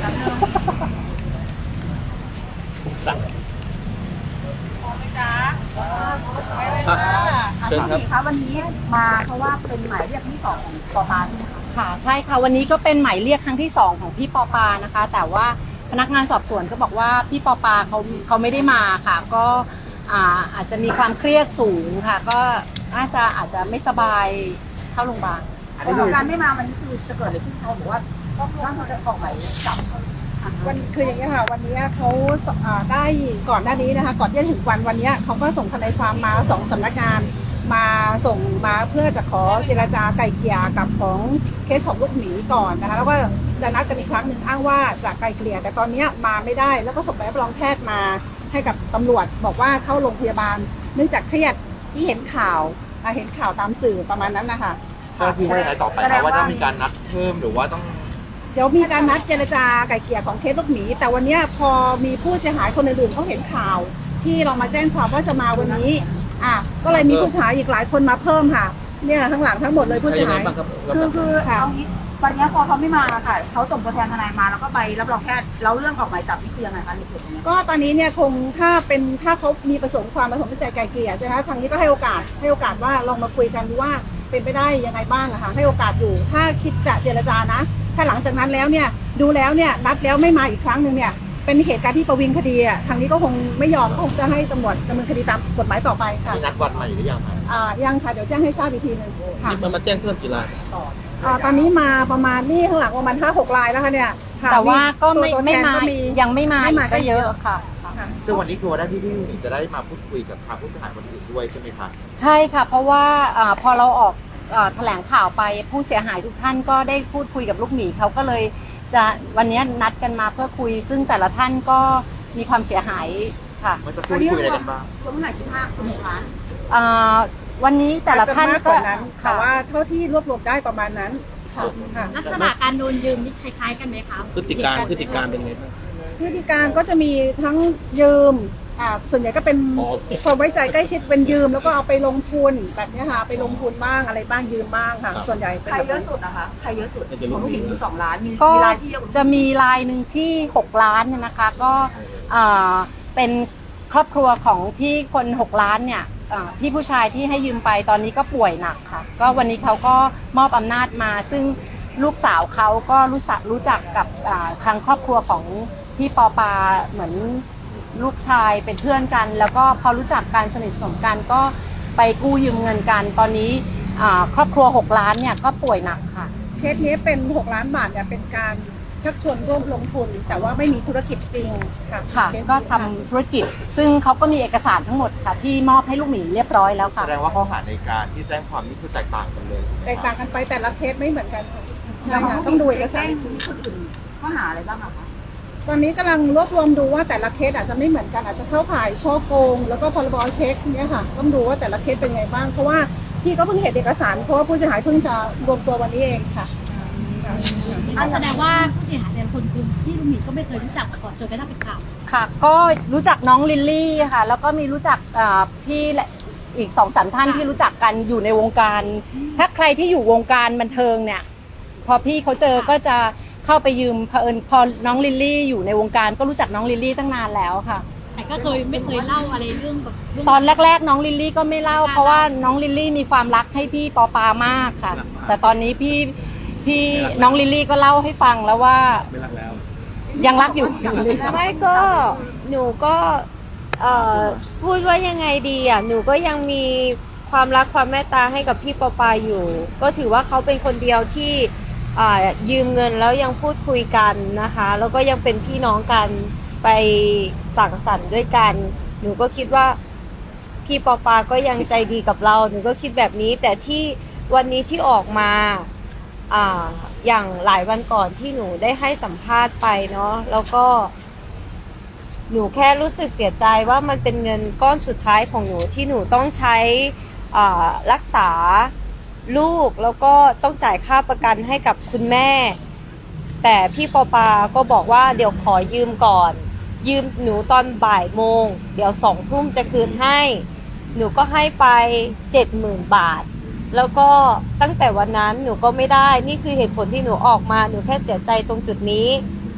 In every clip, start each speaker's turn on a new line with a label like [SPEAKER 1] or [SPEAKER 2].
[SPEAKER 1] สั่ง
[SPEAKER 2] พร้อมไหมจ๊ะไปเลยจ้า
[SPEAKER 1] เชิญครับ
[SPEAKER 3] คะวันนี้มาเพราะว่าเป็นหมายเรียกที่สองของปปาใช่ไหมคะ
[SPEAKER 4] ค่ะใช่ค่ะวันนี้ก็เป็นหมายเรียกครั้งที่2ของพี่ปอปานะคะ แต่ว่าพนักงานสอบสวนก็บอกว่าพี่ปอปาเขาไม่ได้มาค่ะ ก็อาจจะมีความเครียดสูงค่ะ ก็อาจจะไม่สบายเข้าโรงพยาบาล
[SPEAKER 3] การไม่มาวันนี้คือจะเกิดอะไรขึ้นเขาบอกว่าร่างเขาจะออกหมายจับ
[SPEAKER 2] วันคืออย่างนี้ค่ะวันนี้เขาได้ก่อนหน้านี้นะคะก่อนที่จะถึงวันนี้เขาก็ส่งทนายความมา2สำนักงานมาส่งมาเพื่อจะขอเจรจาไกล่เกลี่ยกับของเคสของลูกหมีก่อนนะคะแล้วก็จะนัดกันอีกครั้งหนึ่งอ้างว่าจะไกล่เกลี่ยแต่ตอนนี้มาไม่ได้แล้วก็ส่งใบรับรองแพทย์มาให้กับตำรวจบอกว่าเข้าโรงพยาบาลเนื่องจากเครียดที่เห็นข่าวตามสื่อประมาณนั้นนะคะ
[SPEAKER 1] เจ้าหน้าที่ว่ายังไงต่อไปครับว่าต้องมีการนัดเพิ่มหรือว่าต้อง
[SPEAKER 2] เดี๋ยวมีการนัดเจรจาไกล่เกลี่ยของเคสลูกหมีแต่วันนี้พอมีผู้เสียหายคนอื่นๆเขาเห็นข่าว ที่เรามาแจ้งความว่าจะมาวันนี้ก็เลยมีผู้เสียหายอีกหลายคนมาเพิ่มค่ะเนี่ยข้างหลังทั้งหมดเลยผู้เสียหาย
[SPEAKER 3] คือเอางี้วันนี้พอเขาไม่มาค่ะเขาส่งตัวแทนทนายมาแล้วก็ใบรับรองแพทย์แล้วเรื่องออกหมายจับนี่คือยังไงคะในส่วนตรงนี้
[SPEAKER 2] ก็ตอนนี้เนี่ยคงถ้าเขามีประสงค์ความประสงค์ใจไกลเกลี่ยใช่ไหมคะทางนี้ก็ให้โอกาสว่าลองมาคุยกันดูว่าเป็นไปได้ยังไงบ้างอะค่ะให้โอกาสอยู่ถ้าคิดจะเจรจานะถ้าหลังจากนั้นแล้วเนี่ยดูแล้วเนี่ยนัดแล้วไม่มาอีกครั้งหนึ่งเนี่ยเป็นเหตุการณ์ที่ประวิงคดีอะทางนี้ก็คงไม่ยอมก็คงจะให้ตำรวจดำเนินคดีตามกฎหมายต่อไปค่ะ
[SPEAKER 1] มีนัดวันมาอยู่หรือยังครับ
[SPEAKER 2] ยังค่ะเดี๋ยวแจ้งให้ทราบอีกทีหนึงค่ะ
[SPEAKER 1] นี่มันมาแจ้งเพิ่มกี่ราย
[SPEAKER 2] ตอนนี้มาประมาณนี่ข้างหลังประมาณ5-6 รายแล้วค่ะเนี่ยค่ะ
[SPEAKER 4] แต่ว่าก็
[SPEAKER 2] ตัว
[SPEAKER 4] ไม่
[SPEAKER 2] แทน
[SPEAKER 4] มา
[SPEAKER 2] ก็มี
[SPEAKER 4] ยังไม่มา
[SPEAKER 2] ไม่มา
[SPEAKER 4] อีกก็เยอะค่ะ
[SPEAKER 2] ค่ะ
[SPEAKER 1] ซึ่งวันนี้คือวันแรกที่พี่หมีจะได้มาพูดคุยกับทางผู้เสียหายคนอื่นด้วยใช่ไหมคะ
[SPEAKER 4] ใช่ค่ะ เพราะว่าพอเราออกแถลงข่าวไปผู้เสียหายทุกท่านก็ได้พูดคุยกับลูกหมีเขาก็เลยจะวันนี้นัดกันมาเพื่อคุย ซึ่งแต่ละท่านก็มีความเสียหายค่ะ
[SPEAKER 1] เมื่อสักครู่นี้คุยอะไรกันบ้าง
[SPEAKER 3] รวมเท่าไหร่16 ล้าน
[SPEAKER 4] วันนี้แต่ละท่าน
[SPEAKER 2] อจจะมกก
[SPEAKER 4] ก็
[SPEAKER 2] ว่านั้นแต่
[SPEAKER 4] ค่ะ
[SPEAKER 2] ว่าเท่าที่รวบรวมได้ประมาณนั้นค่ะ
[SPEAKER 5] ลักษณะการโดนยืมนี่คล้ายๆกันไหมคะ
[SPEAKER 1] พฤติการเป็นไงบ้าง
[SPEAKER 2] พฤติการก็จะมีทั้งยืมส่วนใหญ่ก็เป็น
[SPEAKER 1] อ๋อ
[SPEAKER 2] ความไว้ใจใกล้ชิดเป็นยืมแล้วก็เอาไปลงทุนแบบนี้ค่ะไปลงทุนบ้างอะไรบ้างยืมบ้างค่ะ ส่วนใหญ่เป็น
[SPEAKER 3] ใคร
[SPEAKER 2] แบบ
[SPEAKER 3] เยอะ
[SPEAKER 2] นั้น
[SPEAKER 3] สุดนะคะใครเยอะสุด
[SPEAKER 1] น่าจะ
[SPEAKER 3] ของลูกหมีมี2 ล้านมี
[SPEAKER 4] ก็
[SPEAKER 3] รายที่เยอะกว่า
[SPEAKER 4] จะมีรายหนึ่งที่6 ล้านเนี่ยนะคะก็เป็นครอบครัวของพี่คน6 ล้านเนี่ยพี่ผู้ชายที่ให้ยืมไปตอนนี้ก็ป่วยหนักค่ะก็วันนี้เขาก็มอบอำนาจมา ซึ่งลูกสาวเขาก็รู้จักกับทางครอบครัวของพี่ปอปาเหมือนลูกชายเป็นเพื่อนกัน แล้วก็พอรู้จักกันสนิทสนมกันก็ไปกู้ยืมเงินกันตอนนี้ครอบครัว6 ล้านเนี่ยก็ป่วยหนักค่ะ
[SPEAKER 2] เคสนี้เป็น6 ล้านบาทเนี่ยเป็นการชักชวนร่วมลงทุน แต่ว่าไม่มีธุรกิจจริงค่ะ
[SPEAKER 4] ค่ะ
[SPEAKER 2] เคสนี้
[SPEAKER 4] ก็ทำธุรกิจ ซึ่งเขาก็มีเอกสารทั้งหมดค่ะที่มอบให้ลูกหมีเรียบร้อยแล้วค่ะ
[SPEAKER 1] แสดงว่าข้อหาในการที่แจ้งความนี่คือแตกต่างกันเลย
[SPEAKER 2] แตกต่างกันไปแต่ละเคสไม่เหมือนกันค่ะ
[SPEAKER 3] แล้
[SPEAKER 2] ใช่
[SPEAKER 3] ว
[SPEAKER 2] ค่ะ
[SPEAKER 3] ต้
[SPEAKER 2] ต้
[SPEAKER 3] อ
[SPEAKER 2] อง ง
[SPEAKER 3] ดู
[SPEAKER 2] ดู
[SPEAKER 3] เอ
[SPEAKER 2] เอก ก
[SPEAKER 3] สา
[SPEAKER 2] สาร ร
[SPEAKER 3] คนอื่นข้อหาอะไรบ้างอะคะ
[SPEAKER 2] ตอนนี้กำลังรวบรวมดูว่าแต่ละเคสอาจจะไม่เหมือนกันอาจจะเข้าข่ายช่อโกง แล้วก็พรบเช็คเนี่ยค่ะต้องดูว่าแต่ละเคสเป็นไงบ้างเพราะว่าพี่ก็เพิ่งเห็นเอกสารเพราะว่าผู้เสียหายเพิ่งจะรวมตัววันนี้เองค่ะ
[SPEAKER 5] แสดงว่าผู้เสียหายแต่ละคนคือที่ลุงหมีก็ไม่เคยรู้จักมาก่อนจนกระทั่งเป็นข่าว
[SPEAKER 4] ค่ะ ก็รู้จักน้องลิลลี่ค่ะ แล้วก็มีรู้จักพี่และอีก2-3 ท่านที่รู้จักกันอยู่ในวงการ ถ้าใครที่อยู่วงการบันเทิงเนี่ย พอพี่เขาเจอก็จะเข้าไปยืมเผอิญพอน้องลิลลี่อยู่ในวงการก็รู้จักน้องลิลลี่ตั้งนานแล้วค่ะ
[SPEAKER 5] แต่ก็ไม่เคยเล่าอะไรเรื่องแบบเรื่อง
[SPEAKER 4] ตอนแรกๆน้องลิลลี่ก็ไม่เล่า เพราะว่าน้องลิลลี่มีความรักให้พี่ปอปามากค่ะ แต่ตอนนี้พี่น้องลิลลี่ก็เล่าให้ฟังแล้วว่า
[SPEAKER 1] ไม่รักแล้ว
[SPEAKER 4] ยังรักอยู่
[SPEAKER 6] ไม่ก็หนูก็พูดว่ายังไงดีอ่ะหนูก็ยังมีความรักความเมตตาให้กับพี่ปอปาอยู่ ก็ถือว่าเขาเป็นคนเดียวที่ยืมเงินแล้วยังพูดคุยกันนะคะแล้วก็ยังเป็นพี่น้องกันไปสังสรรค์ด้วยกัน หนูก็คิดว่าพี่ปอปาก็ยังใจดีกับเราหนูก็คิดแบบนี้แต่ที่วันนี้ที่ออกมาอย่างหลายวันก่อนที่หนูได้ให้สัมภาษณ์ไปเนาะแล้วก็หนูแค่รู้สึกเสียใจว่ามันเป็นเงินก้อนสุดท้ายของหนูที่หนูต้องใช้รักษาลูกแล้วก็ต้องจ่ายค่าประกันให้กับคุณแม่แต่พี่ปอปาก็บอกว่าเดี๋ยวขอยืมก่อนยืมหนูตอนบ่ายโมงเดี๋ยว2 ทุ่มจะคืนให้หนูก็ให้ไป 70,000 บาทแล้วก็ตั้งแต่วันนั้นหนูก็ไม่ได้นี่คือเหตุผลที่หนูออกมาหนูแค่เสียใจตรงจุดนี้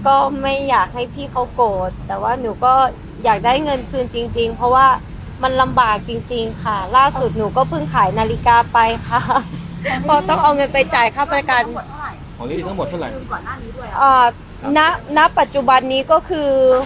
[SPEAKER 6] ก็ไม่อยากให้พี่เขาโกรธแต่ว่าหนูก็อยากได้เงินคืนจริงๆเพราะว่ามันลำบากจริงๆค่ะล่าสุดหนูก็เพิ่งขายนาฬิกาไปค่ะเพราะต้องเอาเงินไปจ่ายค่าประกัน
[SPEAKER 3] ทั้งหมดเท่าไหร่
[SPEAKER 1] ของลิลลี่ทั้งหมดเท่าไหร่
[SPEAKER 3] คืนก่อนหน้านี้ด้วยอะ
[SPEAKER 6] ณปัจจุบันนี้ก็คือ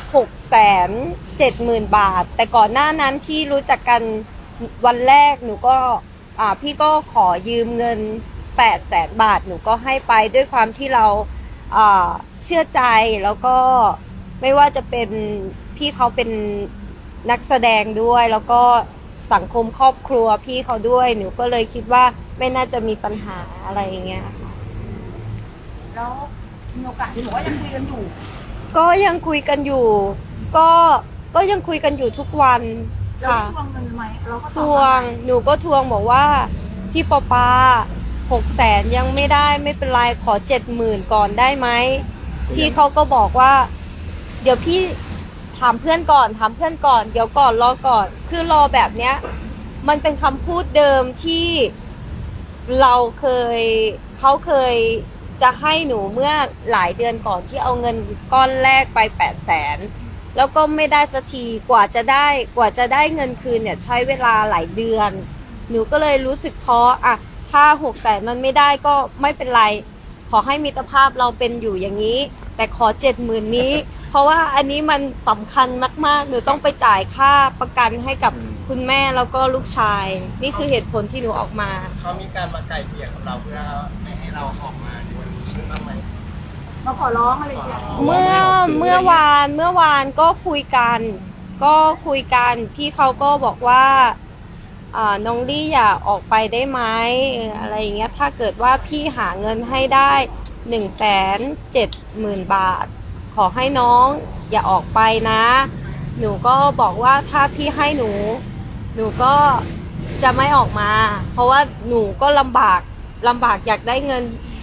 [SPEAKER 6] 670,000 บาท แต่ก่อนหน้านั้นที่รู้จักกันวันแรกหนูก็พี่ก็ขอยืมเงิน 800,000 บาทหนูก็ให้ไปด้วยความที่เราเชื่อใจแล้วก็ไม่ว่าจะเป็นพี่เขาเป็นนักแสดงด้วยแล้วก็สังคมครอบครัวพี่เขาด้วยหนูก็เลยคิดว่าไม่น่าจะมีปัญหาอะไรอย่างเงี้ยค่ะ
[SPEAKER 3] แล้วมีโอกาสที่หนูว่ายังคุยกันอยู่
[SPEAKER 6] ก็ยังคุยกันอยู่ ก็ยังคุยกันอยู่ทุกวัน
[SPEAKER 3] แล้ว
[SPEAKER 6] ค่ะ
[SPEAKER 3] ทวงเงินไหมเราก็
[SPEAKER 6] ทวงหนูก็ทวงบอกว่าพี่ปอปา600,000ยังไม่ได้ไม่เป็นไรขอ70,000ก่อนได้ไหมพี่เขาก็บอกว่า เดี๋ยวพี่ถามเพื่อนก่อนเดี๋ยวก่อนรอก่อนคือรอแบบเนี้ยมันเป็นคำพูดเดิมที่เขาเคยจะให้หนูเมื่อหลายเดือนก่อนที่เอาเงินก้อนแรกไป800,000แล้วก็ไม่ได้สักทีกว่าจะได้เงินคืนเนี่ยใช้เวลาหลายเดือนหนูก็เลยรู้สึกท้ออะถ้า600,000มันไม่ได้ก็ไม่เป็นไรขอให้มิตรภาพเราเป็นอยู่อย่างนี้แต่ขอ70,000นี้เพราะว่าอันนี้มันสำคัญมากๆหนูต้องไปจ่ายค่าประกันให้กับคุณแม่แล้วก็ลูกชายนี่คือเหตุผลที่หนูออกมา
[SPEAKER 7] เขามีการมาไกลเกลี่ยกับเราเพื่อไม่ให้เราออกมาในวันนี้บ้างไหม
[SPEAKER 3] มาขอร้องอะไรอย่างเงี้ย
[SPEAKER 6] เมื่อวานก็คุยกันพี่เขาก็บอกว่าน้องลี่อย่าออกไปได้ไหมอะไรอย่างเงี้ยถ้าเกิดว่าพี่หาเงินให้ได้170,000 บาทขอให้น้องอย่าออกไปนะหนูก็บอกว่าถ้าพี่ให้หนูก็จะไม่ออกมาเพราะว่าหนูก็ลำบากอยากได้เงิน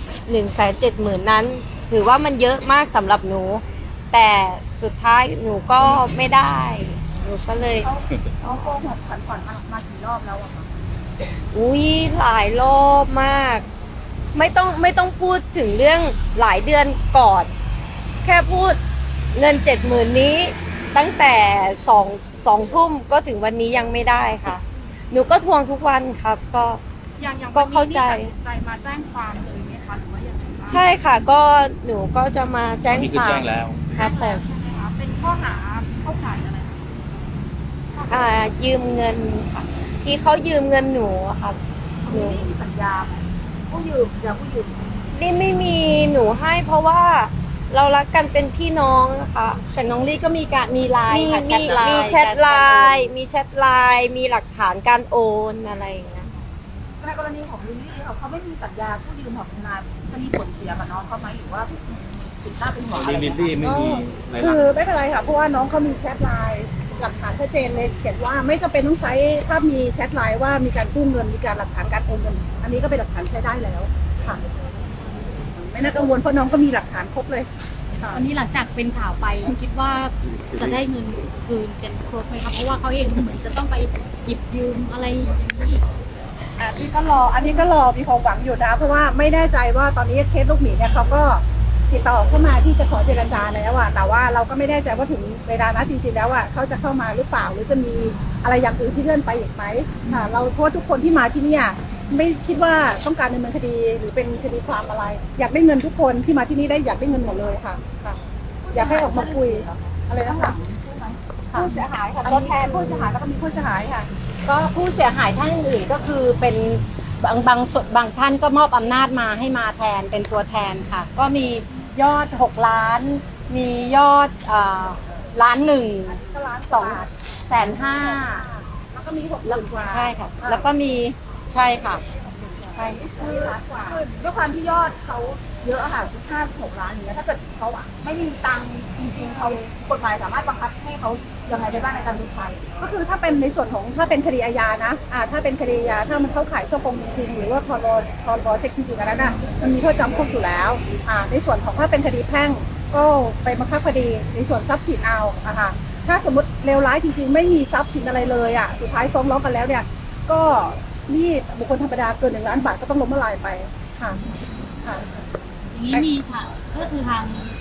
[SPEAKER 6] 170,000นั้นถือว่ามันเยอะมากสำหรับหนูแต่สุดท้ายหนูก็ไม่ได้หนูก็เลย
[SPEAKER 3] เขาโกหกผ่อนมากี่รอบแล้วอะคะ
[SPEAKER 6] อุ้ยหลายรอบมากไม่ต้องพูดถึงเรื่องหลายเดือนก่อนแค่พูดเงิน70,000นี้ตั้งแต่สองทุ่มก็ถึงวันนี้ยังไม่ได้ค่ะหนูก็ทวงทุกวันครับก็เข้าใจ
[SPEAKER 5] ใจมาแจ้งความเลยไหมคะหรือว่ายังไงบ้าง
[SPEAKER 6] ใช่ค่ะก็หนูก็จะมาแจ้ง
[SPEAKER 1] นี่
[SPEAKER 6] ค
[SPEAKER 1] คือ
[SPEAKER 6] วาม
[SPEAKER 1] แจ้งแล้ว
[SPEAKER 6] ครับแต่
[SPEAKER 5] ใช่ไหมคะเป็นข้อหาเข้าข่ายอะไรคะ
[SPEAKER 6] ยืมเงินค่ะที่เขายืมเงินหนูอะค่ะหนู
[SPEAKER 3] ไม่มีสัญญาไหมผู้ยืมเดี๋ยวผู้ยืม
[SPEAKER 6] นี่ไม่มีหนูให้เพราะว่าเรารักกันเป็นพี่น้องนะคะ
[SPEAKER 4] แต่น้องลี่ก็มีไลน์ค่ะ
[SPEAKER 6] มีแชทไลน์มีหลักฐานการโอนอะไรอย่างเงี้ย
[SPEAKER 3] ในกรณีของลิลลี่เขาไม่มีสัญญาผู้ยืมของทนายจะมีผลเสียกับน้องเขาไหมหรือว่าติดหน้าเป็นหัวอะไร
[SPEAKER 1] ลิลลี่ไม่มีอะไร
[SPEAKER 2] คื
[SPEAKER 1] นะ
[SPEAKER 2] อไม่เป็นไรค่ะเพราะว่าน้องเขามีแชทไลน์หลักฐานชัดเจนเลยเขียนว่าไม่จำเป็นต้องใช้ถ้ามีแชทไลน์ว่ามีการกู้เงินมีการหลักฐานการโอนเงินอันนี้ก็เป็นหลักฐานใช้ได้แล้วค่ะไม่น่ากังวลเพราะน้องก็มีหลักฐานครบเลยค่ะ
[SPEAKER 5] วันนี้หลังจากเป็นข่าวไปคิดว่าจะได้เงินคืนกันครบไหมคะเพราะว่าเขาเองเหมือนจะต้องไปหยิบยืมอะไรอย่างนี้อีก
[SPEAKER 2] อันนี้ก็รอมีความหวังอยู่นะเพราะว่าไม่แน่ใจว่าตอนนี้เคสลูกหมีเนี่ยเขาก็ติดต่อเข้ามาที่จะขอเจรจาแล้วอะแต่ว่าเราก็ไม่แน่ใจว่าถึงเวลานะจริงๆแล้วอะเขาจะเข้ามาหรือเปล่าหรือจะมีอะไรอย่างอื่นที่เลื่อนไปอีกไหมค่ะเราเพราะว่าทุกคนที่มาที่เนี่ยไม่คิดว่าต้องการดำเนินคดีหรือเป็นคดีความอะไร อยากได้เงินทุกคนที่มาที่นี่ได้อยากได้เงินหมดเลยค่ะอยากให้ออกมาคุยอะไรนะคะ
[SPEAKER 3] ใช่ไหม
[SPEAKER 2] ผู้เสียหายค่ะตัวแทนผู้เสียหายแล้วก็มีผู้เสียหายค่ะ
[SPEAKER 4] ก็ผู้เสียหายท่านอื่นก็คือเป็นบางท่านก็มอบอำนาจมาให้มาแทนเป็นตัวแทนค่ะ ก็มียอด6 ล้าน มียอด1 ล้าน
[SPEAKER 2] ก็ล้าน
[SPEAKER 4] 2,500,000
[SPEAKER 2] แล้วก็มี6,000,000 กว่า
[SPEAKER 4] ใช่ค่ะ แล้วก็มีใช่ค่ะใช่
[SPEAKER 3] คือด้วยความที่ยอดเขาเยอะอะค่ะ56 ล้านอย่างเงี้ยถ้าเกิดเขาอะไม่มีตังค์จริงๆเขากฎหมายสามารถบังคับให้เขายังไงได้บ้างในการชดใช้
[SPEAKER 2] ก็คือถ้าเป็นในส่วนของถ้าเป็นคดีอาญานะถ้าเป็นคดีอาญาถ้ามันเข้าข่ายช่อโกงจริงๆหรือว่าพรบเช็คจริงๆอันนั้นน่ะมันมีโทษจำคุกอยู่แล้วในส่วนของถ้าเป็นคดีแพ่งก็ไปบังคับคดีในส่วนทรัพย์สินเอาค่ะถ้าสมมติเลวร้ายจริงๆไม่มีทรัพย์สินอะไรเลยสุดท้ายฟ้องร้องกันแล้วเนี่ยก็นี่บุคคลธรรมดาเกิน1 ล้านบาทก็ต้องล้มละลายไปค่ะ
[SPEAKER 5] อย่างนี้มีค่ะก็คือทาง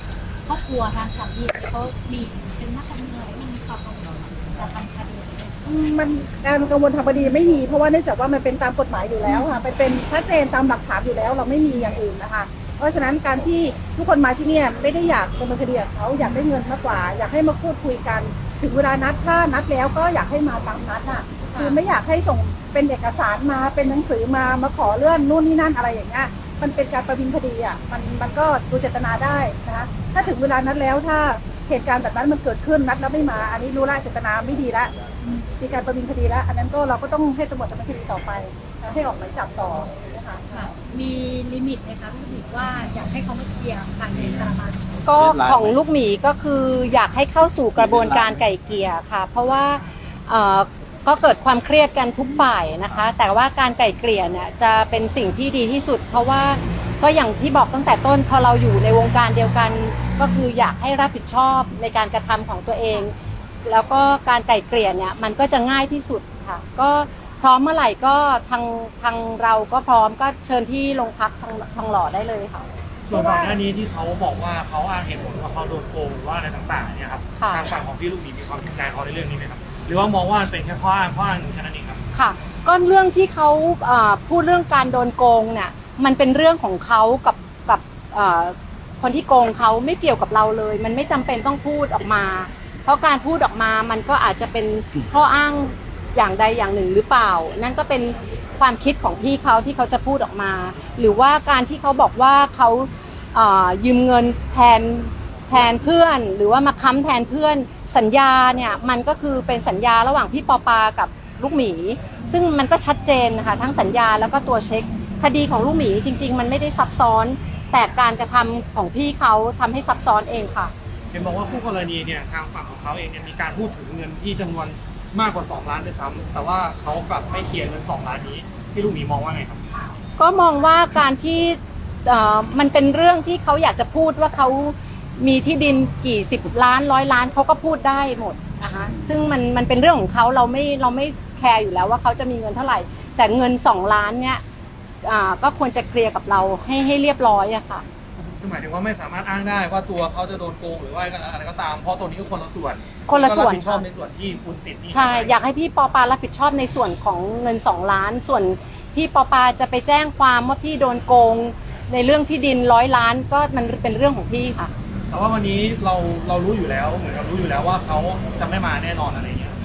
[SPEAKER 5] ครอบครัวทางสามีเขามีเป็นนักการเมืองที่มีความกังวลจะทำคดี
[SPEAKER 2] มันการกังวลทางคดีไม่มีเพราะว่าเนื่องจากว่ามันเป็นตามกฎหมายอยู่แล้วค่ะเป็นชัดเจนตามหลักฐานอยู่แล้วเราไม่มีอย่างอื่นนะคะเพราะฉะนั้นการที่ทุกคนมาที่เนี่ยไม่ได้อยากดำเนินคดีกับเขาอยากได้เงินมากกว่าอยากให้มาพูดคุยกันถึงเวลานัดถ้านัดแล้วก็อยากให้มาตามนัดอ่ะคือไม่อยากให้ส่งเป็นเอกสารมาเป็นหนังสือมาขอเลื่อนนู่นนี่นั่นอะไรอย่างเงี้ยมันเป็นการประวิงคดีอ่ะมันก็ดูเจตนาได้นะคะถ้าถึงเวลานัดแล้วถ้าเหตุการณ์แบบนั้นมันเกิดขึ้นนัดแล้วไม่มาอันนี้รู้ละเจตนาไม่ดีละมีการประวิงคดีแล้วอันนั้นก็เราก็ต้องให้ตำรวจดำเนินคดีต่อไปให้ออกหมายจับต่อนะคะ
[SPEAKER 5] ค่ะมีลิมิตไหมคะพี่หมีว่าอยากให้เขามาเคลียร์ภายในประมาณ
[SPEAKER 4] ก็ของลูกหมีก็คืออยากให้เข้าสู่กระบวนการไก่เกลี่ยค่ะ เพราะว่าก็เกิดความเครียดกันทุกฝ่ายนะคะ แต่ว่าการไก่เกลี่ยเนี่ยจะเป็นสิ่งที่ดีที่สุด เพราะว่าก็อย่างที่บอกตั้งแต่ต้นพอเราอยู่ในวงการเดียวกัน ก็คืออยากให้รับผิดชอบในการกระทำของตัวเอง แล้วก็การไก่เกลี่ยเนี่ยมันก็จะง่ายที่สุดค่ะก็พร้อมเมื่อไหร่ก็ทางเราก็พร้อมก็เชิญที่โรงพักทองหล่อได้เลยค่ะ
[SPEAKER 8] ส่วนก่อนหน้านี้ที่เขาบอกว่าเขาอ้างเหตุผลว่าเขาโดนโกงหรือว่าอะไรต่างๆเนี่ยครับ
[SPEAKER 4] ค่ะ
[SPEAKER 8] ทางฝั่งของพี่ลูกหมีมีความเห็นใจเขาในเรื่องนี้ไหมครับหรือว่ามองว่ามันเป็นแค่ข้ออ้างแค่นั้นเองครับ
[SPEAKER 4] ค่ะก็เรื่องที่เขาพูดเรื่องการโดนโกงเนี่ยมันเป็นเรื่องของเขากับคนที่โกงเขาไม่เกี่ยวกับเราเลย มันไม่จำเป็นต้องพูดออกมา เพราะการพูดออกมามันก็อาจจะเป็นข้ออ้างอย่างใดอย่างหนึ่งหรือเปล่านั่นก็เป็นความคิดของพี่เขาที่เขาจะพูดออกมา หรือว่าการที่เขาบอกว่าเขายืมเงินแทนเพื่อนหรือว่ามาค้ำแทนเพื่อนสัญญาเนี่ยมันก็คือเป็นสัญญาระหว่างพี่ปอปากับลูกหมีซึ่งมันก็ชัดเจนนะคะทั้งสัญญาแล้วก็ตัวเช็คคดีของลูกหมีจริงๆมันไม่ได้ซับซ้อนแต่การกระทำของพี่เขาทำให้ซับซ้อนเองค่ะ
[SPEAKER 8] เห็นบอกว่าคู่กรณีเนี่ยทางฝั่งของเขาเองเนี่ยมีการพูดถึงเงินที่จำนวนมากกว่า2 ล้านด้วยซ้ำแต่ว่าเขากลับไม่เคลียร์เงิน2 ล้านนี้พี่ลูกหมีมองว่าไงครับ
[SPEAKER 4] ก็มองว่าการที่มันเป็นเรื่องที่เขาอยากจะพูดว่าเขามีที่ดินกี่10 ล้าน100 ล้านเขาก็พูดได้หมดนะคะซึ่งมันเป็นเรื่องของเขาเราไม่แคร์อยู่แล้วว่าเขาจะมีเงินเท่าไหร่แต่เงิน2 ล้านเนี่ยก็ควรจะเคลียร์กับเราให้เรียบร้อยอะค่ะ
[SPEAKER 8] คือหมายถึงว่าไม่สามารถอ้างได้ว่าตัวเขาจะโดนโกงหรือว่าอะไรก็ตามเพราะตัวนี้ก็คนละส่วนรับผิดชอบในส่วนที่คุณติดนี่
[SPEAKER 4] ใช่อยากให้พี่ปอปารับผิดชอบในส่วนของเงิน2 ล้านส่วนพี่ปอปาจะไปแจ้งความว่าพี่โดนโกงในเรื่องที่ดิน100 ล้านก็มันเป็นเรื่องของพี่ค่ะ
[SPEAKER 8] แต่ว่าวันนี้เรารู้อยู่แล้วเหมือนกับรู้อยู่แล้วว่าเขาจะไม่มาแน่นอนอะไรเงี้ย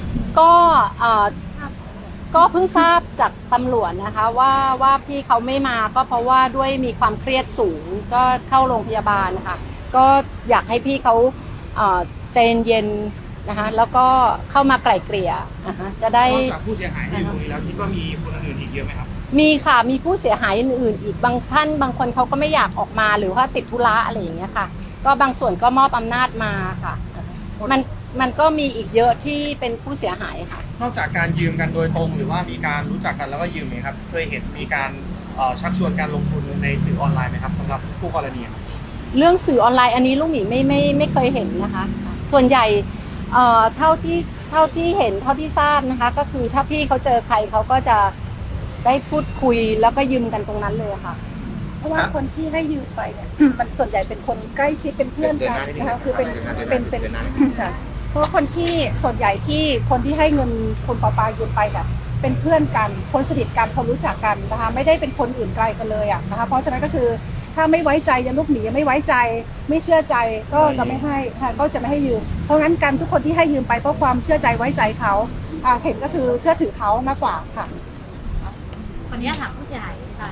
[SPEAKER 4] ก็เพิ่งทราบจากตำรวจนะคะว่าพี่เขาไม่มาก็เพราะว่าด้วยมีความเครียดสูงก็เข้าโรงพยาบาลนะคะก็อยากให้พี่เขาใจเย็นๆนะคะแล้วก็เข้ามาไกล่เกลี่ยนะคะจะได้
[SPEAKER 8] นอกจากผู้เสียหายที่อยู่ตรงนี้แล้วคิดว่ามีคนอื่นอีกเยอะไหมครับ
[SPEAKER 4] มีค่ะมีผู้เสียหายอื่นๆอีกบางท่านบางคนเขาก็ไม่อยากออกมาหรือว่าติดธุระอะไรอย่างเงี้ยค่ะก็บางส่วนก็มอบอำนาจมาค่ะมันก็มีอีกเยอะที่เป็นผู้เสียหายค่ะ
[SPEAKER 8] นอกจากการยืมกันโดยตรงหรือว่ามีการรู้จักกันแล้วก็ยืมไหมครับเคยเห็นมีการชักชวนการลงทุนในสื่อออนไลน์ไหมครับสำหรับผู้กรณี
[SPEAKER 4] เรื่องสื่อออนไลน์อันนี้ลูกหมีไม่เคยเห็นนะคะส่วนใหญ่เท่าที่เห็นเท่าที่ทราบนะคะก็คือถ้าพี่เขาเจอใครเขาก็จะได้พูดคุยแล้วก็ยืมกันตรงนั้นเลยค่ะ
[SPEAKER 2] เพราะว่าคนที่ให้ยืมไปเนี่ยมันส่วนใหญ่เป็นคนใกล้ชิดเป็นเพื่อนกันนะคะคือเป็นค่ะเพราะว่าคนที่ส่วนใหญ่ที่คนที่ให้เงินคนปอปายืมไปเนี่ยเป็นเพื่อนกันคนสนิทกันคนรู้จักกันนะคะไม่ได้เป็นคนอื่นไกลกันเลยอ่ะนะคะเพราะฉะนั้นก็คือถ้าไม่ไว้ใจจะลูกหมีไม่ไว้ใจไม่เชื่อใจก็จะไม่ให้ค่ะก็จะไม่ให้ยืมเพราะงั้นกันทุกคนที่ให้ยืมไปเพราะความเชื่อใจไว้ใจเขาเห็นก็คือเชื่อถือเขามากกว่าค่ะ
[SPEAKER 5] วันนี้ถามผู้เสียหายค่ะ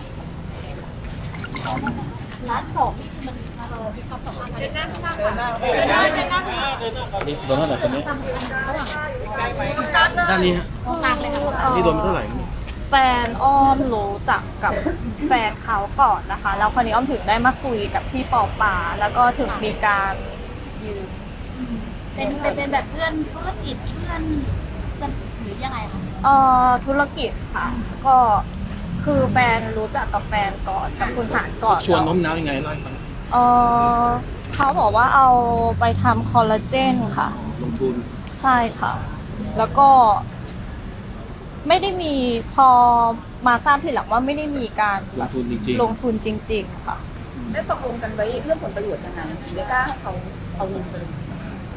[SPEAKER 5] ร้าน2นี่คือมันมีความสัมพันธ์กันเดินหน้า
[SPEAKER 7] นี่โดนเท่าไหร่คนนี้ด้านนี้ฮะนี่โดนเท่าไหร่
[SPEAKER 6] แฟนอ้อมรู้จักกับแฟนเขาก่อนนะคะแล้วคนนี้อ้อมถึงได้มาคุยกับพี่ปอปาแล้วก็ถึงมีการยืม
[SPEAKER 5] เป็นแบบเพื่อนธุรกิจเพื่อนจะหรือยังไงคะ
[SPEAKER 6] ธุรกิจค่ะก็คือแฟนรู้จักกับแฟนก่อนกับคุณหานก่อน
[SPEAKER 7] ชวนน้มน้าวยังไงเล่าให้ฟัง
[SPEAKER 6] เขาบอกว่าเอาไปทำคอลลาเจนค่ะ
[SPEAKER 7] ลงทุน
[SPEAKER 6] ใช่ค่ะแล้วก็ไม่ได้มีพอมาทราบทีหลังว่าไม่ได้มีการ
[SPEAKER 7] ลงทุนจริง
[SPEAKER 6] ๆค่ะ
[SPEAKER 3] ได้ตกลงกันไว้เรื่องผลประโยชน์ยังไงถึงได้กล้าให้เขาเอาเงินไปลงทุน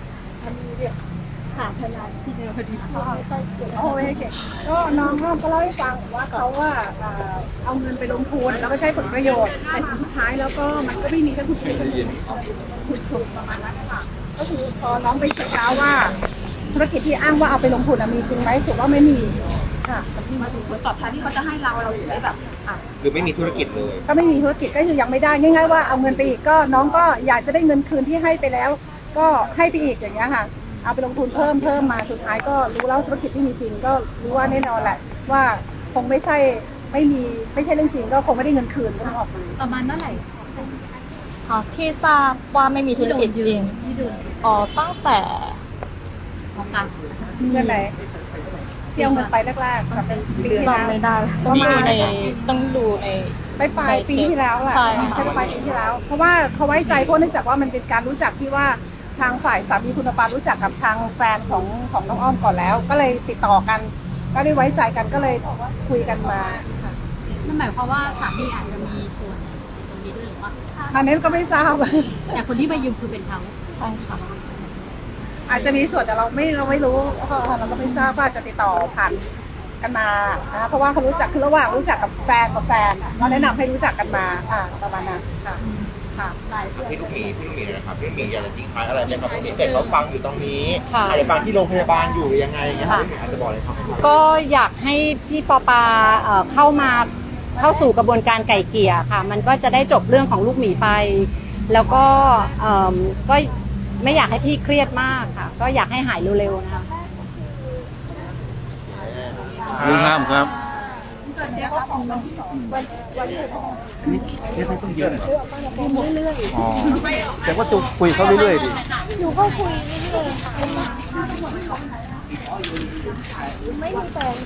[SPEAKER 2] ถามทนายที่เดียวพอดีโอ้ยเก่งก็น้องก็เล่าให้ฟังว่าเขาว่าเอาเงินไปลงทุนแล้วก็ใช้ผลประโยชน์แต่สุดท้ายแล้วก็มันก็ไม่มีก็ถูกถูกประมาณนั้นค่ะก็คือพอน้องไปเช็คแล้วว่า ธุรกิจที่อ้างว่าเอาไปลงทุนมีจริงไหมถือว่าไม่มีค่ะ
[SPEAKER 3] มาถึงผลตอบแทนที่เขาจะให้เราถึงได้แบบอ่ะ
[SPEAKER 1] คือไม่มีธุรกิจเลย
[SPEAKER 2] ก็ไม่มีธุรกิจก็คือยังไม่ได้ง่ายๆว่าเอาเงินไปอีกก็น้องก็อยากจะได้เงินคืนที่ให้ไปแล้ว ก็ให้ไปอีกอย่างเงี้ยค่ะเอาไปลงทุนเพิ่มมาสุดท้ายก็รู้แล้วธุรกิจที่มีจริงก็รู้ว่าแน่นอนแหละว่าคงไม่ใช่ไม่ใช่เรื่องจริงก็คงไม่ได้เงินคืนก็ต้องออกมา
[SPEAKER 5] ประมาณเมื่อไหร่
[SPEAKER 6] ที่ทราบว่าไม่มีธุรกิจจริง
[SPEAKER 5] ที่โดน
[SPEAKER 6] ตั้งแต่
[SPEAKER 5] ของการ
[SPEAKER 2] เงินไหนที่เอาเงินไปแรกๆแบบเป็นปีที่แล้ว
[SPEAKER 6] จำไม่ได้ต้องดูใน
[SPEAKER 2] ปลายปีที่แล้วแหละ
[SPEAKER 6] ใช่ค่ะ
[SPEAKER 2] ใช่ปลายปีที่แล้ว เพราะว่าเขาไว้ใจเพราะเนื่องจากว่ามันเป็นการรู้จักที่ว่าทางฝ่ายสามีคุณปารู้จักกับทางแฟนของน้องอ้อมก่อนแล้ว ก็เลยติดต่อกัน ก็ได้ไว้ใจกันก็เลยคุยกันมาค่ะ
[SPEAKER 5] นั่นหมายความว่าสามีอาจจะมีส่วนตรงนี้ด้วยหรือเปล่า
[SPEAKER 2] อันนี้ก็ไม่ทราบ
[SPEAKER 5] แต่คนที่มายืมคือเป็นเขา
[SPEAKER 6] ใช่ค่ะ
[SPEAKER 2] อาจจะมีส่วนแต่เราไม่รู้เราก็ไม่ทราบว่าจะติดต่อผ่านกันมาเพราะว่าเขารู้จักคือระหว่างรู้จักกับแฟนเราแนะนำให้รู้จักกันมาประมาณนั้นค่ะค่ะ
[SPEAKER 1] พี่ลูกหมีนะครับพี่ลูกหมีอยากจะทิ้งท้ายอะไรไหมครับพี่เด็กเขาฟังอยู่ตรงนี้
[SPEAKER 4] ค่ะ
[SPEAKER 1] อาจจะฟังที่โรงพยาบาลอยู่หรือยังไงอย่างเงี้ยครับพี่หมีอาจจะบอกเลยครับ
[SPEAKER 4] ก็อยากให้พี่ปอปาเข้าสู่กระบวนการไก่เกลี่ยค่ะ มันก็จะได้จบเรื่องของลูกหมีไป แล้วก็ก็ไม่อยากให้พี่เครียดมากค่ะ ก็อยากให้หายเร็วๆนะคะ
[SPEAKER 9] ลุงห้ามครับ
[SPEAKER 7] นี่ไม่ต้องเยอะเลยอ๋อแต่ว่าจะคุยเขาเรื่อยๆดิ
[SPEAKER 6] หนูก็คุยเรื่อยๆค่ะไม่มีแฟน